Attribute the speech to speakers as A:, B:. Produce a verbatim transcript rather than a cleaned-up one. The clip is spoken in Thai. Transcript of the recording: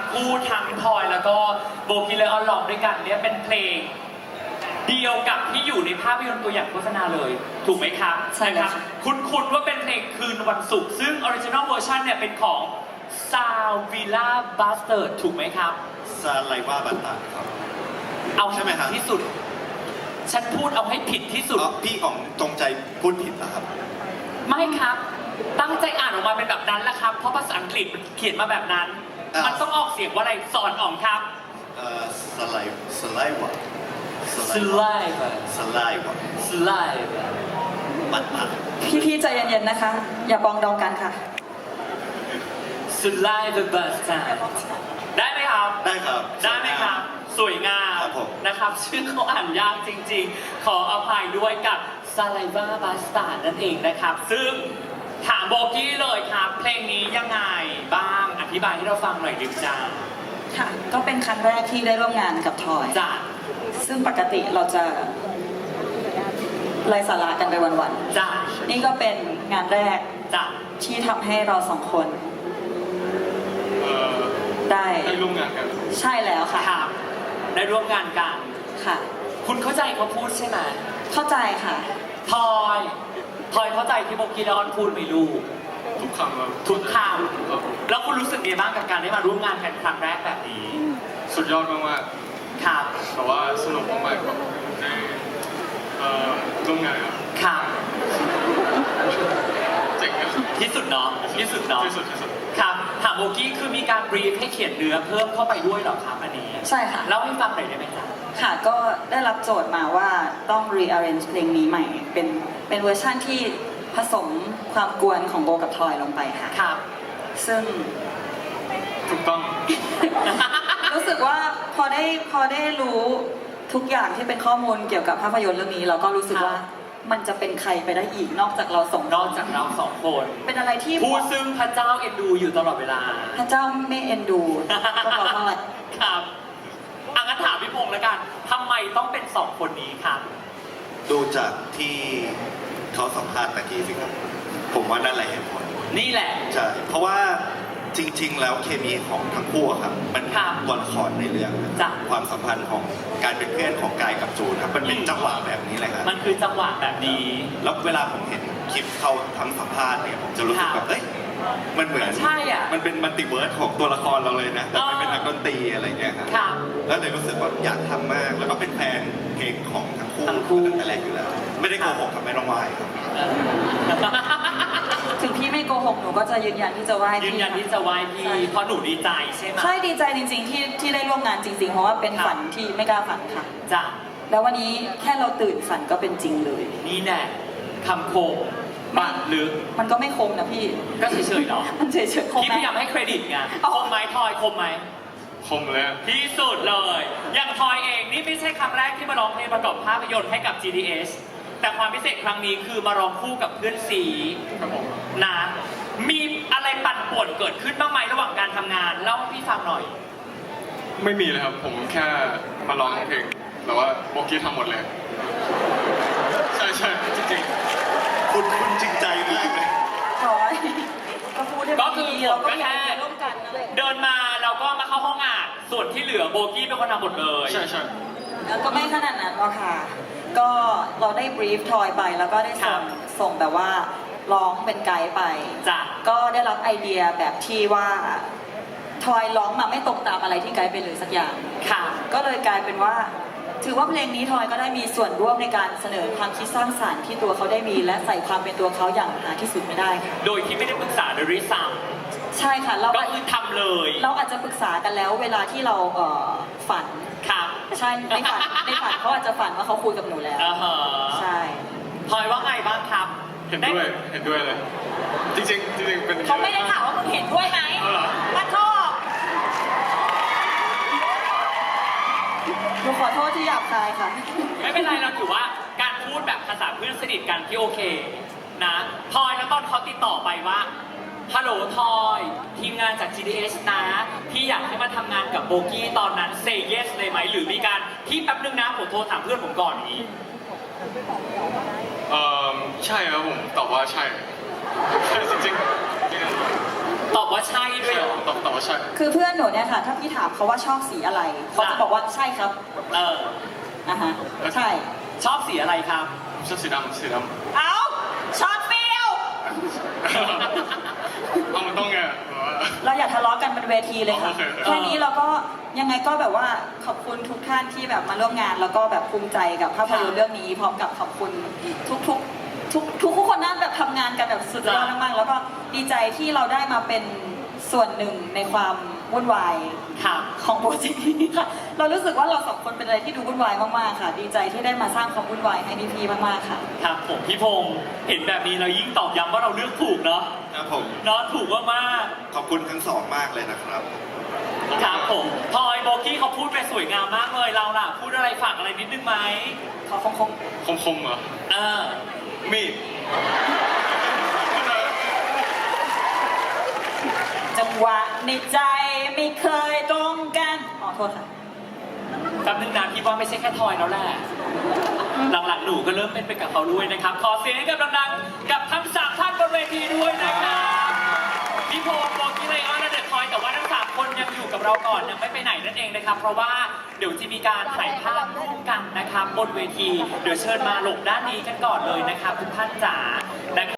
A: คู่ทั้งทอยแล้วก็โบกี้และออนร้องด้วยกันเนี่ยเป็นเพลงเดียวกับที่อยู่ในภาพยนตร์ตัวอย่างโฆษณาเลยถูกไหมครับ
B: ใช่เลย
A: นะครับคุ้นๆว่าเป็นเพลงคืนวันศุกร์ซึ่งออริจินอลเวอร์ชันเนี่ยเป็นของซาววิลล่าบัสเตอร์ถูกไหมครับ
C: ซาไลว่าบัตตาครับ
A: เอา
C: ใช่ไหมครับ
A: ที่สุด ฉันพูดเอาให้ผิดที่สุด
C: อ๋อพี่อ๋องจงใจพูดผิดเหรอครับ
A: ไม่ครับ ตั้งใจอ่านออกมาเป็นแบบนั้นแหละครับ เพราะภาษาอังกฤษมันเขียนมาแบบนั้น
C: อ่ามั
A: มันต้องออกเสียงว่าอะไรสอนอ๋องครับ
C: เอ่อสไลสไลวะสไล
A: Saliva
C: สไลวะ
A: Saliva
C: บัตตา
B: พี่ๆใจเย็นๆนะคะ อย่าปองดองกันค่ะ
A: Saliva Bastard ได้ไหมครับ
C: ได้ครับ
A: ได้ไหมครับ สวยงาม
C: ครับผม
A: นะครับชื่อเขาอ่านยากจริงๆ ขออภัยด้วยกับ Saliva Bastard นั่นเองนะครับ ซึ่งถามโบกี้เลยครับ เพลงนี้ยังไงบ้างอธิบายให้เราฟังหน่อยดิจ้า
B: ค่ะ ก็เป็นครั้งแรกที่ได้ร่วมงานกับทอย
A: จ้า
B: ซึ่งปกติเราจะไร้สาระกันไปวัน
A: จ้า
B: ๆ นี่ก็เป็นงานแรก
A: จ้า
B: ที่ทำให้เราสองคน
D: เอ่อ
B: ได้
D: ได้ร่วมงานกัน
B: ใช่แล้วค่ะ
A: ครับได้ร่วมงานกัน
B: ค่ะ
A: คุณเข้าใจเขาพูดใช่ไหม
B: เข้าใจค่ะ
A: พลอยพลอยเข้าใจที่โบกี้และออนพูดไหมลูก
D: ทุกคำครับ
A: ทุกค
D: ครับผม
A: ำแล้วคุณรู้สึกยังไงบ้างกับการได้มาร่วมงานกันครั้งแรกแบบนี้
D: สุดยอดมาก
A: ครับ
D: ๆแต่ว่าสนุกมากๆครับได้เอ่อร่วมงานครับ
A: ครับ
D: เจ๋งครับ
A: ที่สุดเนาะที่สุดเนาะ
D: ที่สุดที่สุด
A: ครับถามโบกี้คือมีการบรีฟให้เขียนเนื้อเพิ่มเข้าไปด้วยเหรอครับอันนี้
B: ใช่ค่ะ
A: เล่าให้ฟังหน่อยได้ไหมจ๊ะ
B: ค่ะ ก็ได้รับโจทย์มาว่าต้อง rearrange เพลงนี้ใหม่ เป็นเป็นเวอร์ชั่นที่ผสมความกวนของโบกับทอยลงไปค่ะ
A: ครับ
B: ซึ่ง
D: ถูกต้อง
B: รู้สึกว่าพอได้พอได้รู้ทุกอย่างที่เป็นข้อมูลเกี่ยวกับภาพยนตร์เรื่องนี้ เราก็รู้สึกว่ามันจะเป็นใครไปได้อีกนอกจากเราสอง
A: นอกจากเราสองคน
B: เป็นอะไรที่
A: ผู้ซึ่งพระเจ้าเอ็นดูอยู่ตลอดเวลา
B: พระเจ้าไม่เอ็นดูก็ขอโทษ
A: ครับอังั้นถามพี่พงษ์แล้วกันทำไมต้องเป็นสองคนนี้ครับ
C: ดูจากที่เขาสัมภาษณ์ตะกี้สิครับ ผมว่านั่นแหละเหตุผล
A: นี่แหละ
C: ใช่ เพราะว่าจริง ๆ แล้วเคมีของทั้งคู่อะครับ มัน
A: ครับ
C: ตัวละครในเรื่องนะ
A: จ้ะ
C: ความสัมพันธ์ของการเป็นเพื่อนของกายกับจูนครับ มันเป็น
A: อืม
C: จังหวะแบบนี้เลยครับ
A: มันคือจังหวะแบบนี้
C: แล้วเวลาผมเห็นคลิปเขาทั้งสัมภาษณ์เนี่ยผมจะรู้สึก
A: ค
C: แบ
A: รับบ
C: เอ้ย มันเหมือน
A: ใช่อะ
C: มันเป็นมัลติเวิร์สของตัวละครเราเลยนะ แต่มันเป็นนักดนตรีอะไรเงี้ยครับ
A: ครับ
C: แล้วเลยรู้สึกว่าอยากทำมาก แล้วก็เป็นแฟนเพลงของทั้งคู่
A: ทั้งคู่
C: ตั้งแต่แรกอยู่แล้ว ไม่ได้โกหกครับไม่ต้องวายครับ
B: ถึงพี่ไม่โกหกหนูก็จะยืนยันที่จะไหว้
A: ยื
B: พี่
A: นยันที่จะไหว้พี่
B: ใช่
A: เพราะหนูดีใจใช่ไหม
B: ใช่ดีใจจริง ๆ ที่ที่ได้ร่วมงานจริง ๆ เพราะว่าเป็น
A: ครับ
B: ฝันที่ไม่กล้าฝันค่ะ
A: จ้ะ
B: แล้ววันนี้แค่เราตื่นฝันก็เป็นจริงเลย
A: นี่แน่คำโคมบาดลึก
B: มันก็ไม่คมนะพี่
A: ก็เฉยๆเนาะ
B: มันเฉยๆคม
A: พี่
B: ไหม
A: พยายามให้เครดิตไง
B: อ๋อ
A: คมไหมทอยคมไหม
D: คมเลยอะ
A: ที่สุดเลย อย่างทอยเองนี่ไม่ใช่ครั้งแรกที่มาร้องเพลงประกอบภาพยนตร์ให้กับ จี ดี เอส แต่ความพิเศษครั้งนี้คือมาร้องคู่กับเพื่อนซี
D: ครับผม
A: นะมีอะไรปั่นป่วนเกิดขึ้นบ้างไหมระหว่างการทำงานเล่าให้พี่ฟังหน่อย
D: ไม่มีเลยครับ ผมแค่มาร้องเพลง แต่ว่าโบกี้ทำหมดเลย ใช่ใช่จริง
C: คุณคุณจริงใจมากเลย
B: ทอยก็พูดให้
A: ก็
B: มัน
A: คือ
B: ดี
A: ผม
B: เราก็
A: ก็
B: อยาก
A: แค่
B: จะร่วมกันนะ
A: เดินมาเราก็มาเข้าห้องอ่านส่วนที่เหลือโบกี้เป็นคนทำหมดเลย
D: ๆ ใช่ใช่
B: แล้วก็ไม่ขนาดนั้นหรอกค่ะ ก็เราได้บรีฟทอยไปแล้วก็ได้ส่งส่งแบบว่าร้องเป็นไกด์ไป
A: จ้ะ
B: ก็ได้รับไอเดียแบบที่ว่าทอยร้องมาไม่ตรงตามอะไรที่ไกด์ไปเลยสักอย่าง
A: ค่ะ
B: ก็เลยกลายเป็นว่า ถือว่าเพลงนี้ทอยก็ได้มีส่วนร่วมในการเสนอความคิดสร้างสรรค์ที่ตัวเขาได้มี และใส่ความเป็นตัวเขาอย่างหาที่สุดไม่ได้ค่ะ
A: โดยที่ไม่ได้ปรึกษาโดยริซ้
B: ใช่ค่ะเรา
A: ำก็คือทำเลย
B: เราอาจจะปรึกษากันแล้วเวลาที่เราเอ่อฝัน
A: ครับ
B: ใช่ในฝันในฝันเขาอาจจะฝันว่าเขาคุยกับหนูแล้ว
A: อ่าฮะ
B: ใช่
A: พลอยว่าไงบ้างครับ
D: เห็นด้วย เห็นด้วยเลย จริงๆจริงๆเป็น
B: เขาไม่ได้ถามว่ามึงเห็นด้วยไหม
D: เอาเหรอ
B: มาโทษหนูขอโทษที่หยาบคายค่ะ
A: ไม่เป็นไรเราถือว่าการพูดแบบภาษาเพื่อนสนิทกันที่โอเคนะพลอยแล้วตอนเขาติดต่อไปว่าฮัลโหลทอยทีมงานจาก จี ดี เอส นะที่อยากให้มาทำงานกับโบกี้ตอนนั้น say yes เลยไหมหรือมีการที่แป๊บนึงนะผมโทรถามเพื่อนผมก่อนอย่างนี้
D: เอ่อใช่ครับผมตอบว่าใช่ใช่จริงๆจริง
A: ตอบว่าใช่ด้วยเหรอ
D: ตอบตอบว่าใช่
B: คือเพื่อนหนูเนี่ยค่ะ ถ้าพี่ถามเขาว่าชอบสีอะไร เขาจะบอกว่าใช่ครับ
A: เออ
B: อ่ะฮะ ใช่
A: ชอบสีอะไรครับ
D: ผมชอบสีดำสีดำ
B: เอ้าช็อตฟิล
D: เอามันต้องไงแบบว่า
B: เราอย่าทะเลาะกันบนเวทีเลยค่ะ
D: โอเค
B: แค่นี้เราก็ยังไงก็แบบว่าขอบคุณทุกท่านที่แบบมาร่วมงาน แล้วก็แบบภูมิใจกับภาพยนตร์เรื่องนี้ พร้อมกับขอบคุณทุกทุกทุกทุกทุกคนนั่นแบบทำงานกันแบบสุดยอดมากๆแล้วก็ดีใจที่เราได้มาเป็นส่วนหนึ่งในความวุ่นวาย
A: ครับ
B: ของโปรเจกต์นี้ค่ะ เรารู้สึกว่าเราสองคนเป็นอะไรที่ดูวุ่นวายมากๆค่ะ ดีใจที่ได้มาสร้างความวุ่นวายให้พี่ๆมากๆค่ะ
A: ครับผมพี่พงศ์เห็นแบบนี้เรายิ่งตอบย้ำว่าเราเลือกถูกเนาะ
C: ครับผม
A: เนาะถูกมาก
C: ขอบคุณทั้งสองมากเลยนะครับ
A: ๆครับผมพลอยโบกี้เขาพูดไปสวยงามมากเลยเราล่ะ พูดอะไรฝากอะไรนิดนึงไหม
B: ขอคงคง
D: คมคมๆเหรอ
A: เออ
D: มีด
B: จังหวะในใจไม่เคยตรงกันอ๋อโทษค่ะ
A: แป๊บนึงนะพี่ว่าไม่ใช่แค่ทอยแล้วแหละ หลังๆหนูก็เริ่มเป็นไปกับเขาด้วยนะครับ ขอเสียงให้กับดังๆกับทั้งสามท่านบนเวทีด้วยนะครับพี่พงศ์โบกี้ไลออนและเดอะทอยแต่ว่าทั้งสามคนยังอยู่กับเราก่อนยังไม่ไปไหนนั่นเองนะครับ เพราะว่าเดี๋ยวจะมีการถ่ายภาพร่วมกันนะครับบนเวที เดี๋ยวเชิญมาหลบด้านนี้กันก่อนเลยนะครับทุกท่านจ๋านะครับ